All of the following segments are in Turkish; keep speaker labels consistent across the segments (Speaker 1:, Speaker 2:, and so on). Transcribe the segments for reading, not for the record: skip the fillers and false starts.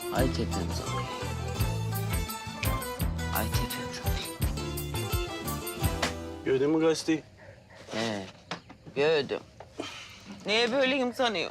Speaker 1: Ay tepemiz oluyor. Ay tepemiz oluyor.
Speaker 2: Gördün mü gazeteyi?
Speaker 1: He, gördüm. Niye böyleyim sanıyor?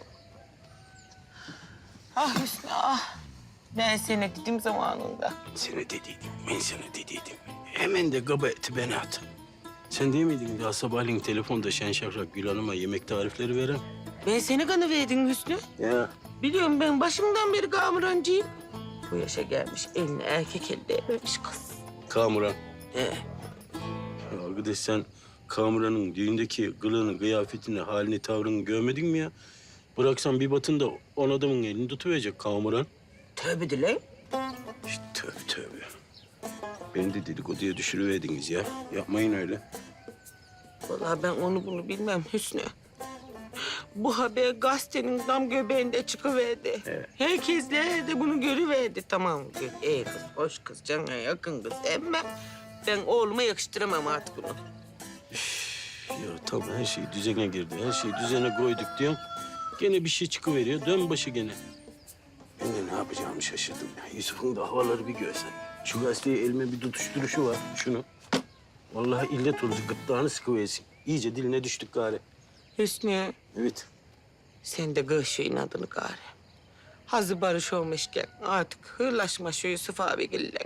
Speaker 1: Ah Hüsnü ah. Ben seni dedim zamanında.
Speaker 2: Sana dediydim, ben sana dediydim. Hemen de kaba eti bana at. Sen değil miydin daha sabahleyin telefonda şen şakrak Gül Hanım'a yemek tarifleri veren?
Speaker 1: Ben seni kanıverdim Hüsnü.
Speaker 2: Ya.
Speaker 1: Biliyorum ben başımdan beri kamurancıyım. Bu yaşa gelmiş eline erkek elde vermiş kız.
Speaker 2: Kamuran.
Speaker 1: He.
Speaker 2: Ya arkadaş sen Kamuran'ın düğündeki kılığını, kıyafetini, halini, tavrını görmedin mi ya? Bıraksan bir batın da on adamın elini tutuverecek Kamuran.
Speaker 1: Tövbe de lan.
Speaker 2: İşte tövbe tövbe. Beni de dedikoduya düşürüverdiniz ya. Yapmayın öyle.
Speaker 1: Vallahi ben onu bunu bilmem Hüsnü. Bu haber gazetenin tam göbeğinde çıkıverdi.
Speaker 2: Evet.
Speaker 1: Herkesler de bunu görüverdi. Tamam, iyi kız, hoş kız, cana yakın kız. Ama ben oğluma yakıştıramam artık bunu.
Speaker 2: Ya tamam her şey düzene girdi. Her şeyi düzene koyduk diyorum. Gene bir şey çıkıveriyor. Dön başı gene. Ben de ne yapacağımı şaşırdım ya. Yusuf'un da havaları bir görsen. Şu gazeteyi elime bir tutuşturuşu var. Şunu. Vallahi illet oldu. Gırtlağını sıkıversin. İyice diline düştük gari.
Speaker 1: Hüsnü,
Speaker 2: Evet.
Speaker 1: sen de kır şu inadını gari. Hazır barış olmuşken artık hırlaşma şu Yusuf abigille.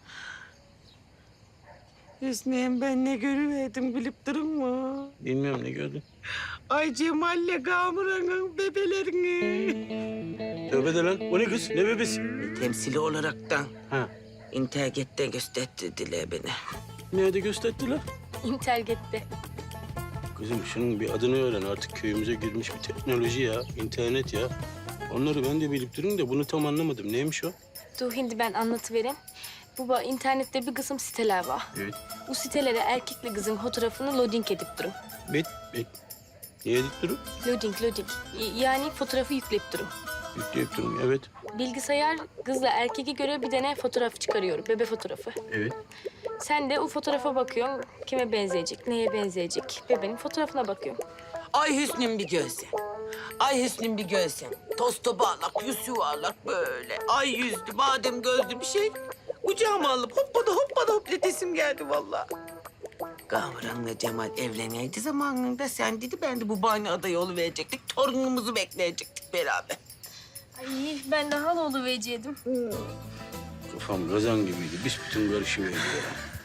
Speaker 1: Hüsnü'm ben ne görüverdim bilip durun mu?
Speaker 2: Bilmiyorum ne gördün.
Speaker 1: Ay Cemal'le Kamuran'ın bebelerini.
Speaker 2: Tövbe de lan. O ne kız? Ne bebesi?
Speaker 1: Temsili olaraktan
Speaker 2: Ha.
Speaker 1: internette gösterdiler beni.
Speaker 2: Nerede gösterdiler?
Speaker 3: İnterget'te.
Speaker 2: Kızım şunun bir adını öğren. Artık köyümüze girmiş bir teknoloji ya. İnternet ya. Onları ben de bilip durun da bunu tam anlamadım. Neymiş o?
Speaker 3: Dur hindi ben anlatıvereyim. Baba internette bir kısım siteler var.
Speaker 2: Evet.
Speaker 3: Bu sitelere erkekle kızın fotoğrafını loading edip durun.
Speaker 2: Bet. Niye edip durun?
Speaker 3: Loading. Yani fotoğrafı yükleyip durun.
Speaker 2: Yükleyip durun. Evet.
Speaker 3: Bilgisayar kızla erkeğe göre bir tane fotoğraf çıkarıyor, bebe fotoğrafı.
Speaker 2: Evet.
Speaker 3: Sen de o fotoğrafa bakıyorsun, kime benzeyecek, neye benzeyecek. Bebenin fotoğrafına bakıyorsun.
Speaker 1: Ay Hüsnü'm bir görsem. Ay Hüsnü'm bir görsem. Tosta bağlak, yüz yuvarlak böyle. Ay yüzlü, badem gözlü bir şey. Kucağıma alıp hoppada hopletesim geldi vallahi. Kamuran'la Cemal evleneydi zamanında sen dedi ben de bu bahane adayı oluverecektik. Torunumuzu bekleyecektik beraber.
Speaker 3: Ay ben de hal oluvereceğim.
Speaker 2: Kafam gazan gibiydi. Büsbütün karışıverdi ya.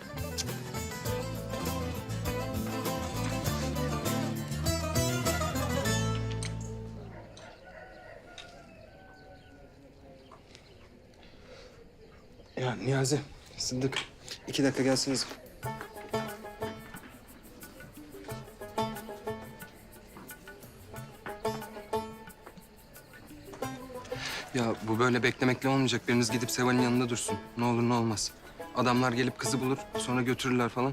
Speaker 4: Ya Niyazi, Sıddık. 2 dakika gelsiniz. Ya bu böyle beklemekle olmayacak. Biriniz gidip Seval'in yanında dursun. Ne olur ne olmaz. Adamlar gelip kızı bulur, sonra götürürler falan.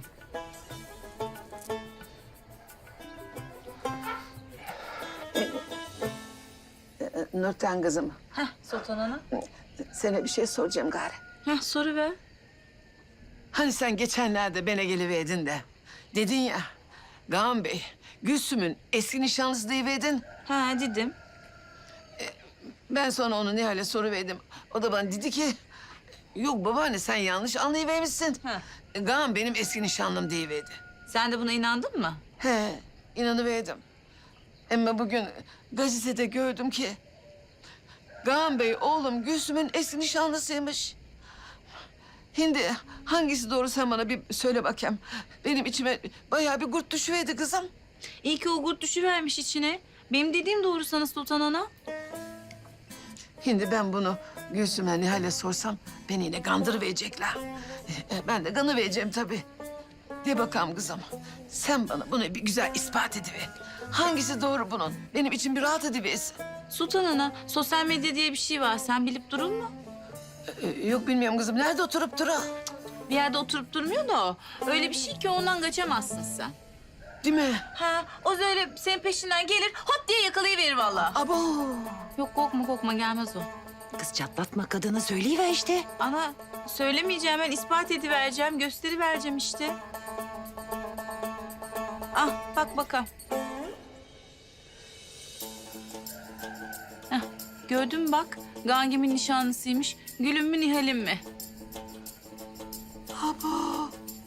Speaker 5: Nurten kızım,
Speaker 3: Heh Sultan Ana.
Speaker 5: sana bir şey soracağım gari.
Speaker 3: Heh soru ver.
Speaker 5: Hani sen geçenlerde bana geliverdin de dedin ya, Kaan Bey, Gülsüm'ün eski nişanlısı deyiverdin.
Speaker 6: Ha dedim.
Speaker 5: Ben sonra onu Nihal'e soruverdim. O da bana dedi ki, yok babaanne sen yanlış anlayıvermişsin.
Speaker 6: Ha.
Speaker 5: Kaan benim eski nişanlım deyiverdi.
Speaker 6: Sen de buna inandın mı?
Speaker 5: He, inanıverdim. Ama bugün gazetede gördüm ki, Kaan Bey oğlum Gülsüm'ün eski nişanlısıymış. Hindi hangisi doğru sen bana bir söyle bakayım. Benim içime bayağı bir kurt düşüverdi kızım.
Speaker 6: İyi ki o gurt düşüvermiş içine. Benim dediğim doğru sana Sultan Ana.
Speaker 5: Şimdi ben bunu Gülsüm'e Nihal'e sorsam beni yine kandırıverecekler. Ben de kanıvereceğim tabii. De bakalım kızım. Sen bana bunu bir güzel ispat ediver. Hangisi doğru bunun? Benim için bir rahat ediversin.
Speaker 6: Sultan Ana, sosyal medya diye bir şey var. Sen bilip durun mu?
Speaker 5: Yok bilmiyorum kızım. Nerede oturup dura?
Speaker 6: Bir yerde oturup durmuyor da o. Öyle bir şey ki ondan kaçamazsın sen.
Speaker 5: Değil mi?
Speaker 6: Ha, o öyle senin peşinden gelir, hop diye yakalayıverir vallahi.
Speaker 5: Abo.
Speaker 6: Yok korkma gelmez o.
Speaker 5: Kız çatlatma kadını söyleyiver işte.
Speaker 6: Ana, söylemeyeceğim ben ispat edivereceğim, gösterivereceğim işte. Ah, bak bakalım. Heh, gördün mü bak? Gangim'in nişanlısıymış. Gülüm mü Nihal'im mi?
Speaker 5: Abo.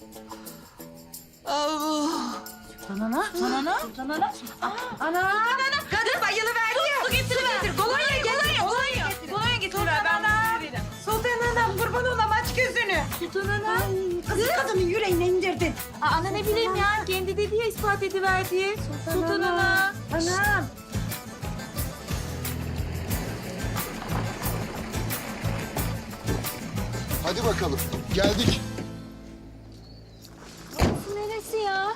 Speaker 6: Kadın bayılıverdi ya. Su getiriver. Kolonya getir. Kolonya getiriver. Ben bunu veririm.
Speaker 7: Sultan Anam kurban olam aç gözünü.
Speaker 6: Sultan Ana.
Speaker 7: Kız kadının yüreğine indirdin.
Speaker 6: Ana ne bileyim ya. Kendi dedi ya ispat ediver diye. Sultan Ana.
Speaker 7: Anam.
Speaker 8: Hadi bakalım. Geldik.
Speaker 3: Neresi ya?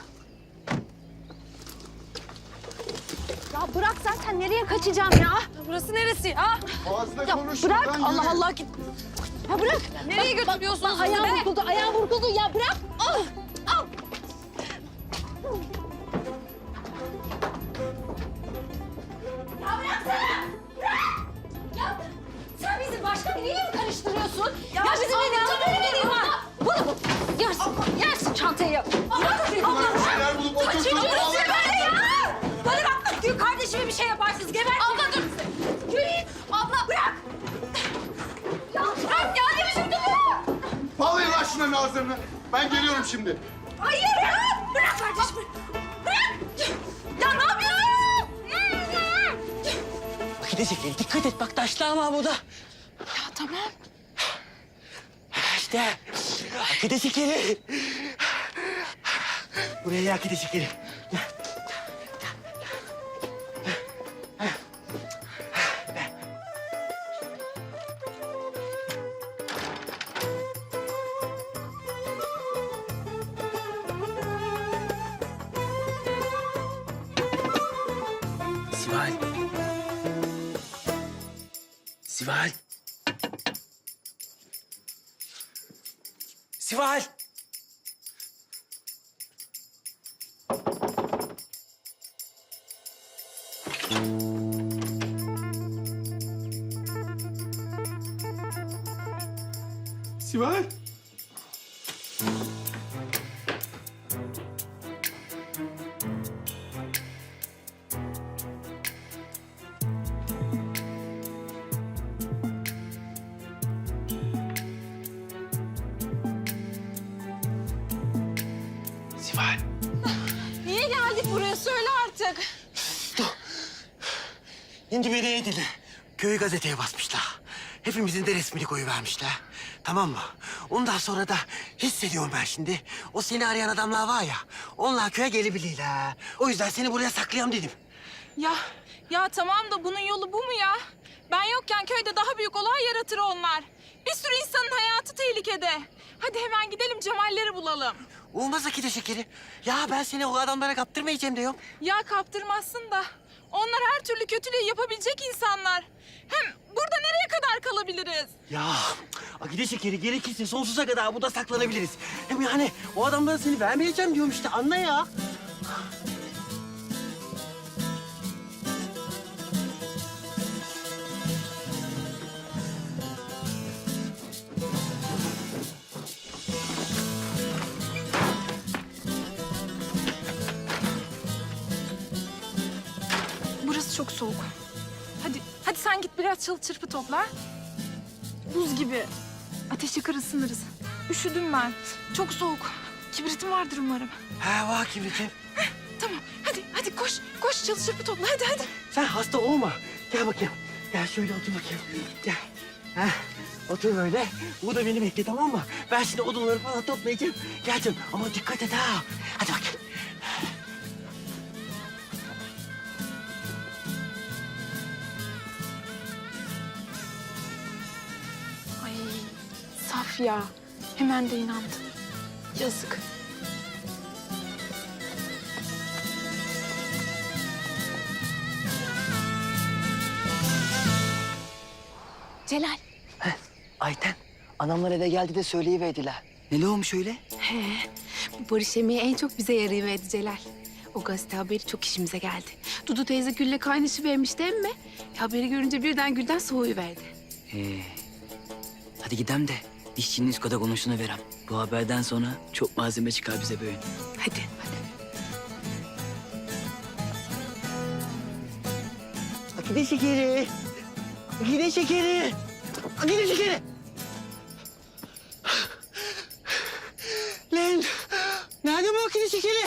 Speaker 3: Ya bırak zaten nereye kaçacağım ya? Burası neresi ya?
Speaker 8: Fazla
Speaker 3: Ya
Speaker 8: konuşma.
Speaker 3: bırak
Speaker 8: lan,
Speaker 3: Allah
Speaker 8: yürü.
Speaker 3: Allah git. Ya bırak. Nereye götürüyorsunuz bizi
Speaker 7: Ayağım
Speaker 3: be?
Speaker 7: vuruldu, ayağım vuruldu ya bırak.
Speaker 3: Al. Al.
Speaker 7: Sen bizi başka biriyle mi karıştırıyorsun? Ya bizim evde böyle var. Bunu yersin çantayı.
Speaker 8: Bir şeyler bulup oturtup ağlayın.
Speaker 7: Bana bak Gül kardeşime bir şey yaparsınız geber. Abla dur. Gül abla bırak. Ya bırak ya ne biçim duruyor?
Speaker 8: Bağlayın lan şunların ağızlarını. Ben geliyorum şimdi.
Speaker 7: Hayır ya. Bırak kardeşimi. Bırak. Ya ne yapıyorsun?
Speaker 1: Gidecek dikkat et bak taşlar var burada.
Speaker 7: Ya tamam.
Speaker 1: İşte akide şekeri. Buraya akide şekeri. Sival. Sival. Sival. Sival. Sival.
Speaker 7: Niye geldik buraya söyle artık.
Speaker 9: Şimdi beni iyi dinle. Köyü gazeteye basmışlar. Hepimizin de resmini koyuvermişler. Tamam mı? Ondan sonra da hissediyorum ben şimdi. O seni arayan adamlar var ya, onlar köye gelebilirler. O yüzden seni buraya saklayayım dedim.
Speaker 10: Ya tamam da bunun yolu bu mu ya? Ben yokken köyde daha büyük olay yaratır onlar. Bir sürü insanın hayatı tehlikede. Hadi hemen gidelim Cemalleri bulalım.
Speaker 9: Olmaz Akide şekeri. Ya ben seni o adamlara kaptırmayacağım diyorum.
Speaker 10: Ya kaptırmazsın da. Onlar her türlü kötülüğü yapabilecek insanlar. Hem burada nereye kadar kalabiliriz?
Speaker 9: Ya Akide şekeri gerekirse sonsuza kadar burada saklanabiliriz. Hem yani o adamlara seni vermeyeceğim diyorum işte anla ya.
Speaker 10: Burası çok soğuk. Hadi sen git biraz çalı çırpı topla. Buz gibi. Ateş yakar ısınırız. Üşüdüm ben. Çok soğuk. Kibritim vardır umarım.
Speaker 9: He var kibritim.
Speaker 10: Tamam. Hadi koş çalı çırpı topla. Hadi.
Speaker 9: Sen hasta olma. Gel bakayım. Gel şöyle otur bakayım. Gel. Heh, otur böyle. Bu da beni bekle tamam mı? Ben şimdi odunları falan toplayacağım. Geleceğim ama dikkat et ha. Hadi bakayım.
Speaker 10: Ay saf ya. Hemen de inandı. Yazık.
Speaker 7: Celal.
Speaker 9: Ayten, anamlar eve geldi de söyleyiverdiler. Ne olmuş öyle?
Speaker 11: Bu barış yemeği en çok bize yarayıverdi Celal. O gazete haberi çok işimize geldi. Dudu teyze Gül'le kaynaşıvermiş değil mi? Haberi görünce birden Gül'den soğuyuverdi.
Speaker 12: Hadi gidelim de dişçinin üst kata konuşunu verem. Bu haberden sonra çok malzeme çıkar bize böyle.
Speaker 11: Hadi.
Speaker 9: Akide şekeri. Akide şekeri. Akide şekeri. Lan nerede bu akide şekeri?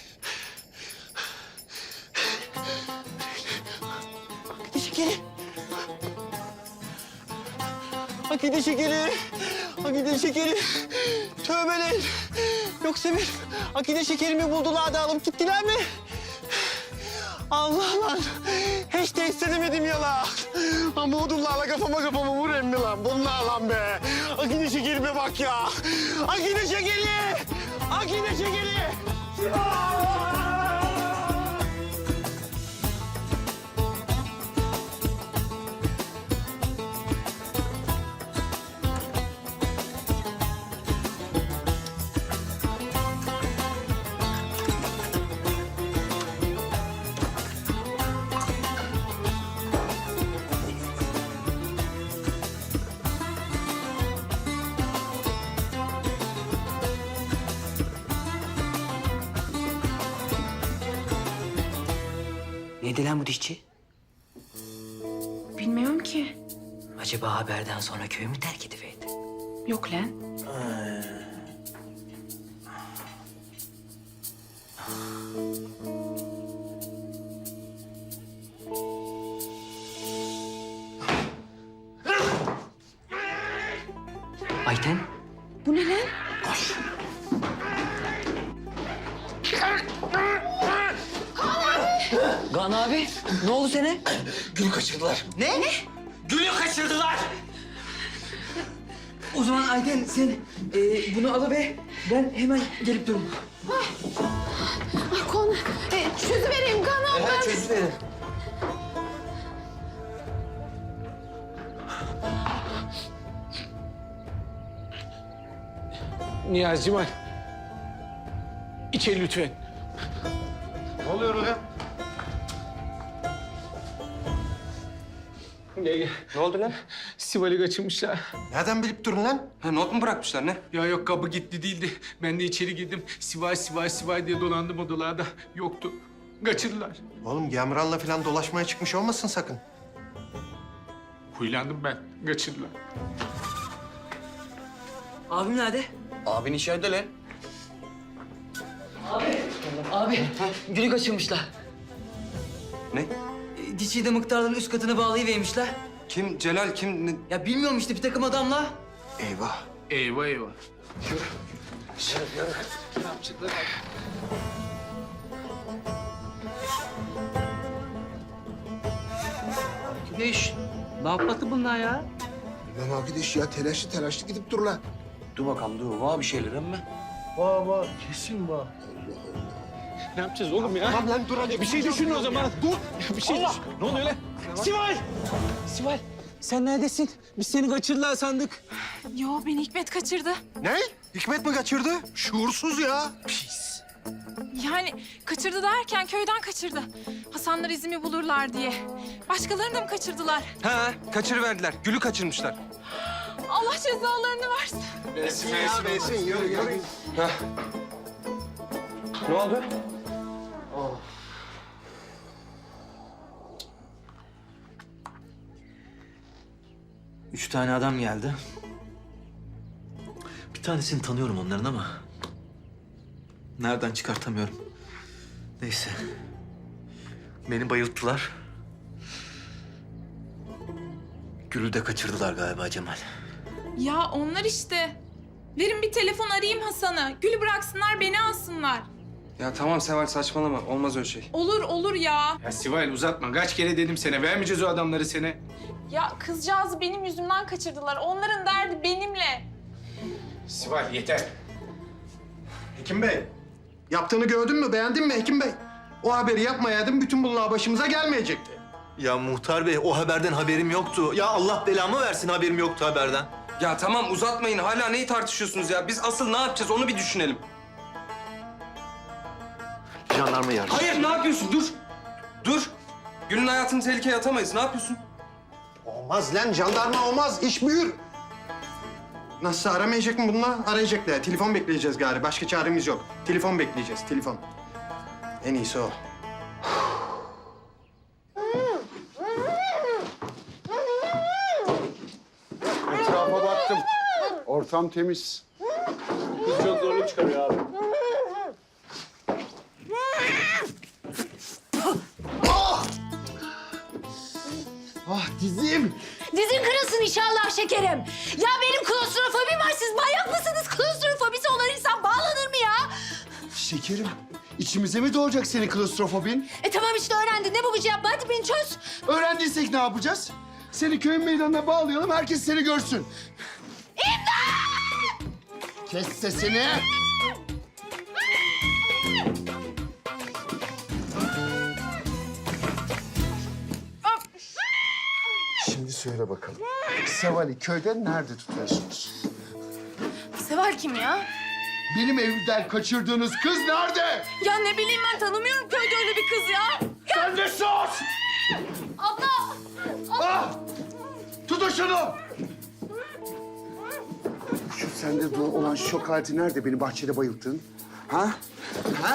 Speaker 9: Akide şekeri. Akide şekeri. Akide şekeri. Tövbe lan. Yoksa bir akide şekerimi buldular da alıp gittiler mi? Allah lan. Hiç de istemedim ya lan. Ama odunlarla kafama vur emmi lan. Bunlar lan be. Akide şekerime bak ya. Akide şekeri. Akide şekeri.
Speaker 12: Neydi lan bu dişçi?
Speaker 11: Bilmiyorum ki.
Speaker 12: Acaba haberden sonra köyü mü terk ediverdi?
Speaker 11: Yok lan.
Speaker 12: Ayten?
Speaker 11: Bu ne lan?
Speaker 12: Kaan abi, ne oldu sana?
Speaker 9: Gülü kaçırdılar. Ne? Gülü kaçırdılar.
Speaker 12: O zaman Ayten sen bunu alıver. Ben hemen gelip durum.
Speaker 11: Konu. Çözüvereyim Kaan abi.
Speaker 12: Evet, çözüverin.
Speaker 2: Niyazi Cemal. İçeri lütfen.
Speaker 8: Ne oluyor oraya?
Speaker 2: Gel gel.
Speaker 4: Ne oldu lan?
Speaker 2: Sivali kaçırmışlar.
Speaker 8: Nereden bilip durun lan?
Speaker 4: Ha, not mu bırakmışlar ne?
Speaker 2: Ya yok kapı gitti değildi. Ben de içeri girdim. Sivay diye dolandım odalarda. Yoktu. Kaçırdılar.
Speaker 8: Oğlum Gemran'la falan dolaşmaya çıkmış olmasın sakın.
Speaker 2: Huylandım ben. Kaçırdılar.
Speaker 12: Abim nerede?
Speaker 9: Abin içeride lan.
Speaker 12: Abi, gülü kaçırmışlar.
Speaker 4: Ne?
Speaker 12: Dişiyi de mıktarların üst katına bağlayıvermişler.
Speaker 4: Kim? Celal kim? Ne?
Speaker 12: Ya bilmiyorum işte bir takım adamla.
Speaker 8: Eyvah.
Speaker 2: Eyvah eyvah.
Speaker 12: Güneş, ne yapmadı bunlar ya?
Speaker 8: Bilmem arkadaş ya telaşlı gidip dur lan.
Speaker 9: Dur bakalım dur. Var bir şeyler ama.
Speaker 8: Var kesin var.
Speaker 2: Ne yapacağız oğlum ya?
Speaker 8: Tamam lan dur hadi.
Speaker 2: Bir şey düşün o zaman. Dur. Bir şey düşün. Ne oluyor lan? Sival! Sival, sen neredesin? Biz seni kaçırdılar sandık.
Speaker 10: Yo beni Hikmet kaçırdı.
Speaker 8: Ne? Hikmet mi kaçırdı? Şuursuz ya.
Speaker 10: Yani kaçırdı derken köyden kaçırdı. Hasanlar izimi bulurlar diye. Başkalarını da mı kaçırdılar?
Speaker 4: Ha, kaçırıverdiler. Gülü kaçırmışlar.
Speaker 10: Allah cezalarını versin.
Speaker 8: Besin yürü.
Speaker 4: Ne oldu?
Speaker 13: Üç tane adam geldi. Bir tanesini tanıyorum onların ama... nereden çıkartamıyorum. Neyse. Beni bayılttılar. Gül'ü de kaçırdılar galiba Cemal.
Speaker 10: Ya onlar işte. Verin bir telefon arayayım Hasan'ı. Gül'ü bıraksınlar beni alsınlar.
Speaker 4: Ya tamam Seval saçmalama. Olmaz öyle şey.
Speaker 10: Olur ya.
Speaker 2: Ya Sival uzatma. Kaç kere dedim sana. Vermeyeceğiz o adamları sana.
Speaker 10: Ya kızcağızı benim yüzümden kaçırdılar. Onların derdi benimle.
Speaker 2: Sival yeter.
Speaker 8: Hekim Bey. Yaptığını gördün mü? Beğendin mi Hekim Bey? O haberi yapmayaydın bütün bunlar başımıza gelmeyecekti.
Speaker 13: Ya muhtar bey o haberden haberim yoktu. Ya Allah belamı versin haberim yoktu haberden.
Speaker 4: Ya tamam uzatmayın. Hala neyi tartışıyorsunuz ya? Biz asıl ne yapacağız onu bir düşünelim.
Speaker 13: Jandarma yardım.
Speaker 4: Hayır ne yapıyorsun? Dur. Gül'ün hayatını tehlikeye atamayız. Ne yapıyorsun?
Speaker 8: Olmaz lan jandarma olmaz. İş büyür. Nasıl aramayacak mı bunlar? Arayacaklar. Telefon bekleyeceğiz gari. Başka çaremiz yok. Telefon bekleyeceğiz. Telefon. En iyisi o.
Speaker 14: baktım. Ortam temiz.
Speaker 2: Kız çok zorluk çıkarıyor abi.
Speaker 14: Ah dizim.
Speaker 7: Dizin kırılsın inşallah şekerim. Ya benim klostrofobim var. Siz manyak mısınız? Klostrofobisi olan insan bağlanır mı ya?
Speaker 14: Şekerim, içimize mi doğacak senin klostrofobin?
Speaker 7: Tamam işte öğrendin. Ne bu gıcı yapma? Hadi beni çöz.
Speaker 14: Öğrendiysek ne yapacağız? Seni köyün meydanına bağlayalım, herkes seni görsün.
Speaker 7: İmdat!
Speaker 14: Kes sesini. Şimdi söyle bakalım. Seval'i köyde nerede tutuyorsunuz?
Speaker 10: Seval kim ya?
Speaker 14: Benim evimden kaçırdığınız kız nerede?
Speaker 10: Ya ne bileyim ben tanımıyorum köyde öyle bir kız ya.
Speaker 14: Sen de sus!
Speaker 7: Abla!
Speaker 14: Ah! Tutun şunu! Şu sende olan şok aleti nerede beni bahçede bayılttın? Ha? Ha?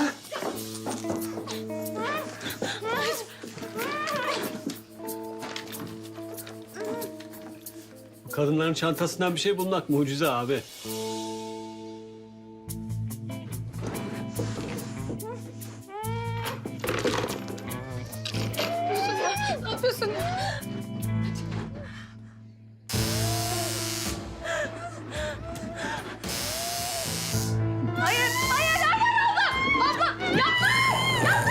Speaker 2: Kadınların çantasından bir şey bulmak mucize abi.
Speaker 10: Ne yapıyorsun?
Speaker 7: Hayır, hayır, hayır abla! Abla yapma! Yapma!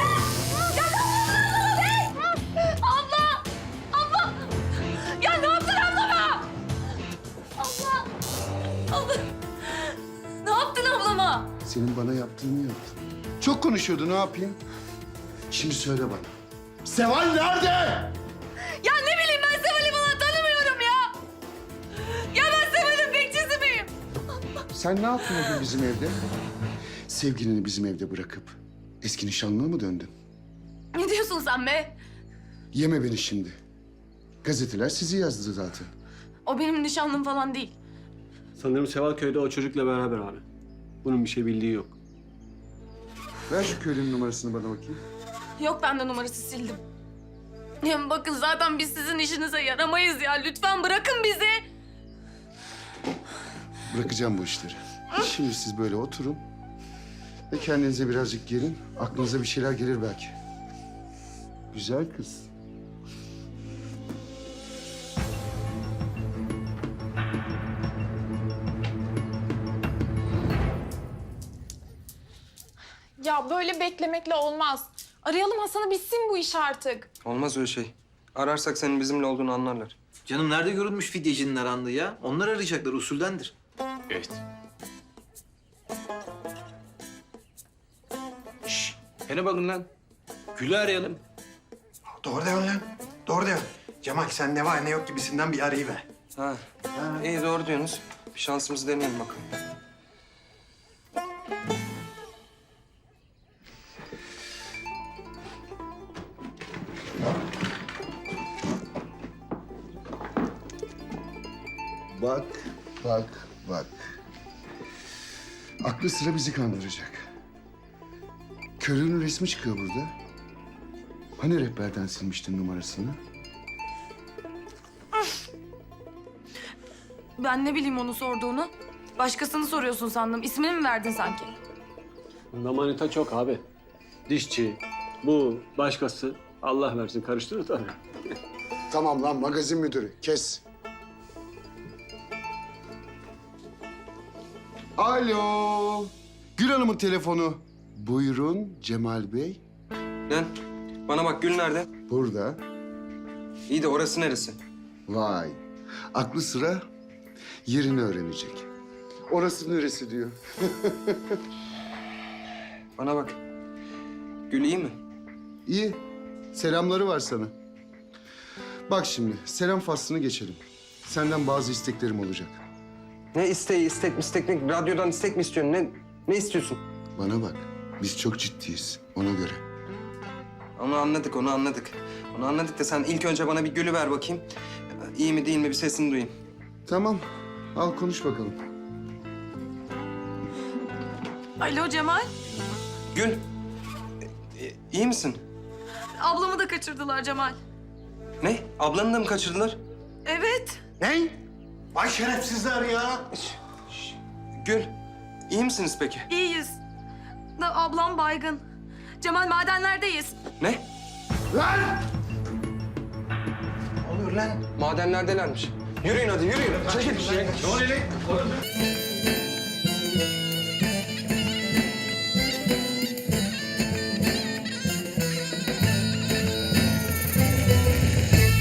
Speaker 7: Yapma! Abla! Abla! Ya ne yaptın ablama? Abla! Abla! Ne yaptın ablama?
Speaker 14: Senin bana yaptığını yaptım. Çok konuşuyordu, ne yapayım? Şimdi söyle bana. Seval nerede?
Speaker 7: Ya ne bileyim ben Seval'i falan tanımıyorum ya! Ya ben Seval'in bekçisi miyim?
Speaker 14: Sen ne yaptın o gün bizim evde? Sevgilini bizim evde bırakıp eski nişanlına mı döndün?
Speaker 10: Ne diyorsun sen be?
Speaker 14: Yeme beni şimdi. Gazeteler sizi yazdı zaten.
Speaker 10: O benim nişanlım falan değil.
Speaker 2: Sanırım Seval köyde o çocukla beraber abi. Bunun bir şey bildiği yok.
Speaker 14: Ver şu köylünün numarasını bana bakayım.
Speaker 10: Yok ben de numarası sildim. Hem bakın zaten biz sizin işinize yaramayız ya. Lütfen bırakın bizi.
Speaker 14: Bırakacağım bu işleri. Şimdi siz böyle oturun ve kendinize birazcık gelin. Aklınıza bir şeyler gelir belki. Güzel kız.
Speaker 10: Ya böyle beklemekle olmaz. Arayalım Hasan'ı bitsin bu iş artık.
Speaker 4: Olmaz öyle şey. Ararsak senin bizimle olduğunu anlarlar.
Speaker 13: Canım nerede görülmüş fidyecinin arandığı ya? Onlar arayacaklar, usuldendir.
Speaker 2: Evet.
Speaker 4: Hele bakın lan.
Speaker 2: Gül'ü arayalım.
Speaker 8: Doğru diyorsun lan. Doğru diyorsun. Cemal sen ne var ne yok gibisinden bir arayıver.
Speaker 4: Ha. İyi doğru diyorsunuz. Bir şansımızı deneyelim bakalım.
Speaker 14: Bak, bak, bak. Aklı sıra bizi kandıracak. Körüğün resmi çıkıyor burada. Hani rehberden silmiştin numarasını?
Speaker 10: Ben ne bileyim onu sorduğunu. Başkasını soruyorsun sandım. İsmini mi verdin sanki?
Speaker 2: Bunda manita çok abi. Dişçi, bu, başkası. Allah versin karıştırır tabii.
Speaker 14: Tamam lan magazin müdürü, kes. Alo. Gül Hanım'ın telefonu. Buyurun Cemal Bey.
Speaker 4: Lan bana bak Gül nerede?
Speaker 14: Burada.
Speaker 4: İyi de orası neresi?
Speaker 14: Vay. Aklı sıra yerini öğrenecek. Orası neresi diyor.
Speaker 4: Bana bak. Gül iyi mi?
Speaker 14: İyi. Selamları var sana. Bak şimdi selam faslını geçelim. Senden bazı isteklerim olacak.
Speaker 4: Ne isteği, istek ne? Radyodan istek mi istiyorsun? Ne istiyorsun?
Speaker 14: Bana bak. Biz çok ciddiyiz ona göre.
Speaker 4: Onu anladık, onu anladık. Onu anladık da sen ilk önce bana bir Gül'ü ver bakayım. İyi mi değil mi bir sesini duyayım.
Speaker 14: Tamam. Al konuş bakalım.
Speaker 10: Alo Cemal.
Speaker 4: Gül. İyi misin?
Speaker 10: Ablamı da kaçırdılar Cemal.
Speaker 4: Ne? Ablanı da mı kaçırdılar?
Speaker 10: Evet.
Speaker 14: Ne?
Speaker 8: Vay şerefsizler ya.
Speaker 4: Gül, iyi misiniz peki?
Speaker 7: İyiyiz. Da ablam baygın. Cemal madenlerdeyiz.
Speaker 4: Ne?
Speaker 8: Lan! Ne oluyor lan?
Speaker 4: Madenlerdelermiş. Yürüyün hadi, yürüyün. Çekil.
Speaker 8: Ne oluyor lan?